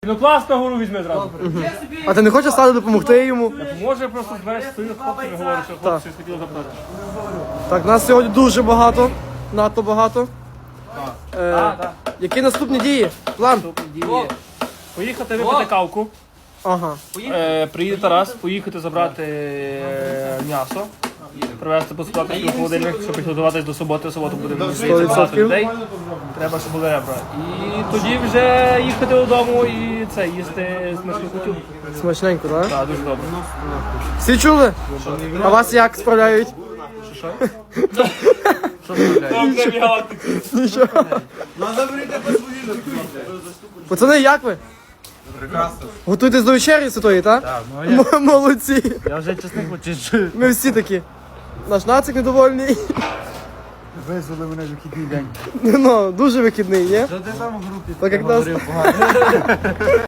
Ну класно гору візьме зразу. А ти не хочеш стати допомогти йому? Може просто знаєш, стою з хлопцями говорю, що хлопці хотіли запитати. Так, нас сьогодні дуже багато. Надто багато. Так. Які наступні дії? План? Поїхати випити кавку. Ага. Приїде Тарас, поїхати забрати м'ясо. Привезти посувати в холодильник, щоб підготуватись до суботи. В суботу буде багато людей. Треба, щоб були ребра. І тоді вже їхати додому і це, їсти смачну кутю. Смачненько, так? Так, дуже добре. Всі чули? А вас як справляють? Що справляє? Нічого. Пацани, як ви? Прекрасно. Готуєтесь до вечері святої, так? Так, ну а Молодці. я вже чесник почищу. Ми всі такі. Наш нацик недовольний. Визвали мене в вихідний день. Ну, дуже вихідний, ні? Та ти там в групі Так як нас. говорив погано.